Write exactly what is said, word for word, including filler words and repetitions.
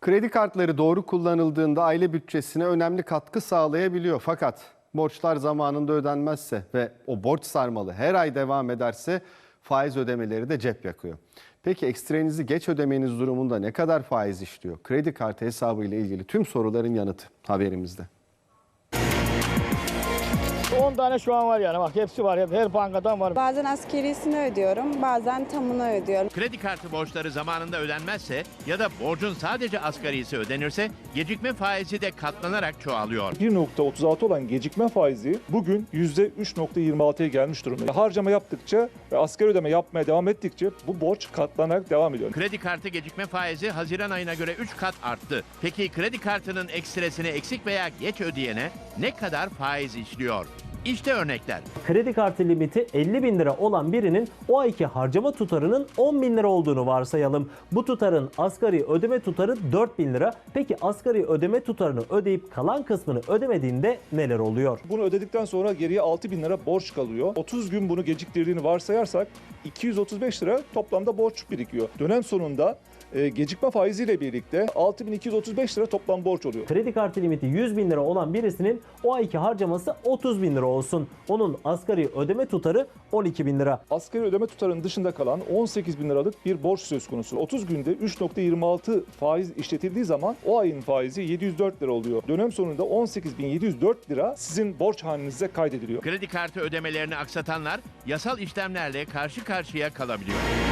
Kredi kartları doğru kullanıldığında aile bütçesine önemli katkı sağlayabiliyor. Fakat borçlar zamanında ödenmezse ve o borç sarmalı her ay devam ederse faiz ödemeleri de cep yakıyor. Peki ekstrenizi geç ödemeniz durumunda ne kadar faiz işliyor? Kredi kartı hesabı ile ilgili tüm soruların yanıtı haberimizde. on tane şu an var yani, bak hepsi var, her bankadan var. Bazen askerisini ödüyorum, bazen tamını ödüyorum. Kredi kartı borçları zamanında ödenmezse ya da borcun sadece asgarisi ödenirse gecikme faizi de katlanarak çoğalıyor. bir nokta otuz altı olan gecikme faizi bugün yüzde üç nokta yirmi altıya gelmiş durumda. Harcama yaptıkça ve asgari ödeme yapmaya devam ettikçe bu borç katlanarak devam ediyor. Kredi kartı gecikme faizi Haziran ayına göre üç kat arttı. Peki kredi kartının ekstresini eksik veya geç ödeyene ne kadar faiz işliyor? İşte örnekler. Kredi kartı limiti elli bin lira olan birinin o ayki harcama tutarının on bin lira olduğunu varsayalım. Bu tutarın asgari ödeme tutarı dört bin lira. Peki asgari ödeme tutarını ödeyip kalan kısmını ödemediğinde neler oluyor? Bunu ödedikten sonra geriye altı bin lira borç kalıyor. otuz gün bunu geciktirdiğini varsayarsak iki yüz otuz beş lira toplamda borç birikiyor. Dönem sonunda e, gecikme faiziyle birlikte altı bin iki yüz otuz beş lira toplam borç oluyor. Kredi kartı limiti yüz bin lira olan birisinin o ayki harcaması otuz bin lira olsun. Onun asgari ödeme tutarı on iki bin lira. Asgari ödeme tutarının dışında kalan on sekiz bin liralık bir borç söz konusu. otuz günde üç nokta yirmi altı faiz işletildiği zaman o ayın faizi yedi yüz dört lira oluyor. Dönem sonunda on sekiz bin yedi yüz dört lira sizin borç hanenize kaydediliyor. Kredi kartı ödemelerini aksatanlar yasal işlemlerle karşı karşıya kalabiliyor.